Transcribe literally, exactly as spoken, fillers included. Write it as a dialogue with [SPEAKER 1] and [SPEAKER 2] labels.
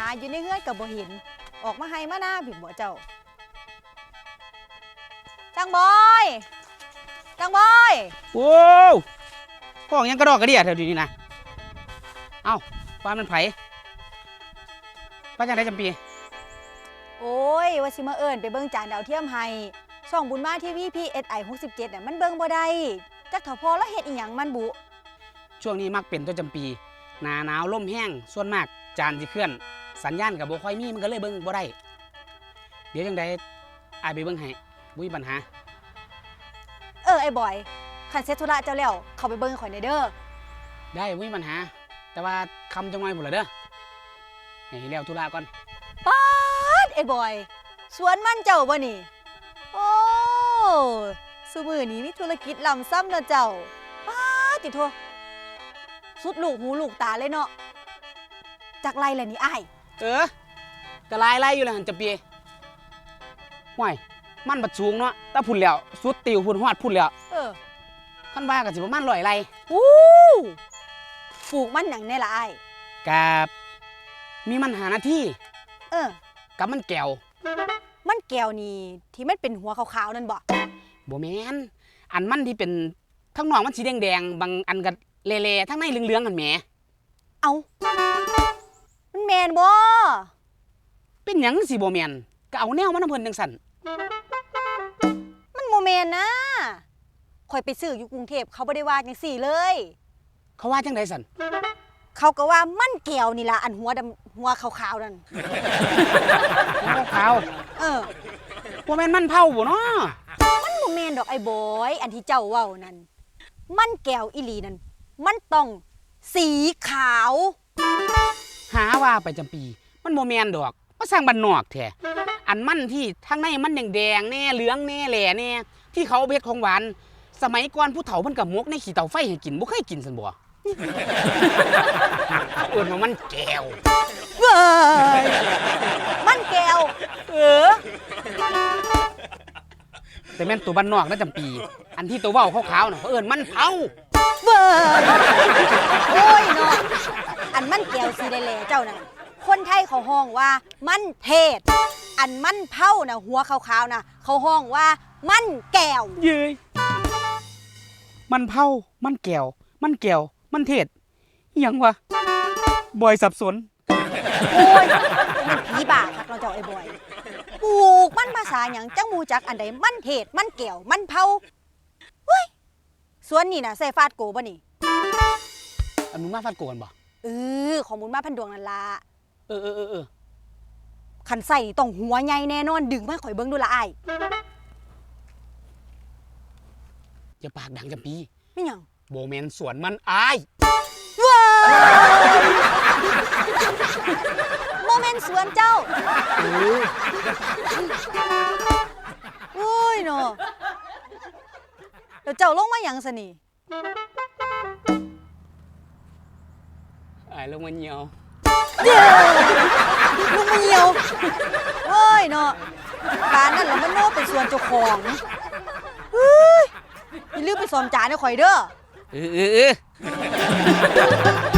[SPEAKER 1] อยู่ในเฮือนกับบ่เห็นออกมาให้มาหน้าผิดบ่เจ้าจังบอยจังบอย
[SPEAKER 2] โอ้ห้องยังกระดอกกระเดียแถวนี้นะเอ้าบ้านมันไผบ้านจังไดจำปี
[SPEAKER 1] โอ้ยว่าสิมาเอิ้นไปเบิ่งจานดาวเทียมให้ช่องบุญมาทีวี พี เอส ไอ หกสิบเจ็ดน่ะมันเบิ่งบ่ได้จักเฒ่าพอแล้วเฮ็ดอีหยังมันบุ
[SPEAKER 2] ช่วงนี้มักเป็นตัวจำปีหน้าหนาวลมแห้งส่วนมากจานสิเคลื่อนสัญญาณกับบ่ค่อยมีมันก็เลยเบิ่งบ่ได้เดี๋ยวจังไดอ้ายไปเบิ่งให้บ่มีปัญหา
[SPEAKER 1] เออไอ้บอยคันเสร็จธุระเจ้าแล้วเข้าไปเบิ่งข่อยหน่อยเด้อ
[SPEAKER 2] ได้บ่มีปัญหาแต่ว่าคำจังหน่อยพุ่นล่ะเด้อให้แล้วธุระก่อน
[SPEAKER 1] ป๊าดไอ้บอยสวนมันเจ้าบ่นี่โอ้ซุมื้อนี้มีธุรกิจล้ำซ้ำเนาะเจ้าป๊าดติโทสุดลูกหูลูกตาเลยเนาะจากไรแหละนี่อ้าย
[SPEAKER 2] เออกระลายไล่อยู่แล้วหันจำปีห่วยมันบัดสูงเนาะแต่พุ่นแล้วสุดติวพุ่นฮอดพุ่นแล้ว
[SPEAKER 1] เออ
[SPEAKER 2] คันว่าก็สิประมาณร้อยไร่
[SPEAKER 1] อู้ปลูกมันหยังแน่ล่ะอ้าย
[SPEAKER 2] กับมีมันหาหน้าที่
[SPEAKER 1] เออ
[SPEAKER 2] กับมันแก้ว
[SPEAKER 1] มันแก้วนี่ที่มันเป็นหัวขาวๆนั่นบ่
[SPEAKER 2] บ่แม่นอันมันที่เป็นทั้งนอกมันสีแดงๆบางอันก็เละๆทั้งในเหลืองๆกันแหม
[SPEAKER 1] เอามันแม่นบ่
[SPEAKER 2] เป็นหยังสิบ่แม่นก็เอาแนวมันนำเพิ่นจังซั่น
[SPEAKER 1] มันบ่แม่นนะข่อยไปซื้ออยู่กรุงเทพเขาบ่ได้ว่าจังซี่เลย
[SPEAKER 2] เขาว่าจังได๋ซั่น
[SPEAKER 1] เขาก็ว่ามันแก้วนี่ล่ะอันหัวดำหัวขาวๆนั่น
[SPEAKER 2] หัวขาว
[SPEAKER 1] เออ
[SPEAKER 2] บ่แม่นมันเผาบ่เนาะ
[SPEAKER 1] มันบ่แม่นดอกไอ้บอยอันที่เจ้าเว้านั่นมันแก้วอีหลีนั่นมันต้องสีขาว
[SPEAKER 2] หาว่าไปจำปีมันบ่แม่นดอกมาสร้างบ้านนอกแท้อันมันที่ทางในมันแดงๆแน่เหลืองแน่แหล่แน่ที่เขาเฮ็ดของหวานสมัยก่อนผู้เฒ่าเพิ่นก็หมกในขี้เตาไฟให้กินบ่เคยกินซั่นบ่เอิ้นว่ามันแก้ว
[SPEAKER 1] เว้ยมันแก้วเออ
[SPEAKER 2] แต่แม่นตัวบ้านนอกนะจำปีอันที่ตัวเว้าขาวๆน่ะเขาเอิ้นมันเผา
[SPEAKER 1] เว้ยโอ้ยเนาะอันมันแก้วสีแหล่ๆเจ้านั่นคนไทยเขาห้องว่ามันเทศอันมันเผาน่ะหัวขาวๆน่ะเขาห้องว่ามันแก้ว
[SPEAKER 2] เย้ยมันเผามันแก้วมันแก้วมันเทศอิหยังวะบอยสับสน
[SPEAKER 1] โอ้ยมันผีบ้าคักเราเจ้าไอ้บอยปลูกมันภาษาหยังจังมูจักอันใดมันเทศมันแก้วมันเผาเฮ้ยสวนนี่น่ะใส่ฟาดโกบ่นี่
[SPEAKER 2] อันมึงมาฟาดโกนบ่
[SPEAKER 1] เออของบุญมาพันดวงนั่นล่ะ
[SPEAKER 2] เออเออเออ
[SPEAKER 1] คันใส่ต้องหัวใหญ่แน่นอนดึงมาข่อยเบิ่งดูละอ้าย
[SPEAKER 2] อย่าปากดังจำปี
[SPEAKER 1] ไม่หยัง
[SPEAKER 2] โบแมนสวนมันอาย
[SPEAKER 1] ว้าโมเมนต์สวนเจ้าโอ้ยเนาะเดี๋ยวเจ้าลงมาหยังซะนี่
[SPEAKER 2] อายลงมาเหี่ยว
[SPEAKER 1] เดี๋ยวลงมาเหี่ยวโอ้ยเนาะการนั่นแหละมันโน่เป็นสวนเจ้าของเฮ้ยอย่าลืมไปซ่อมจานให้ข่อยเด้อ
[SPEAKER 2] เออเออ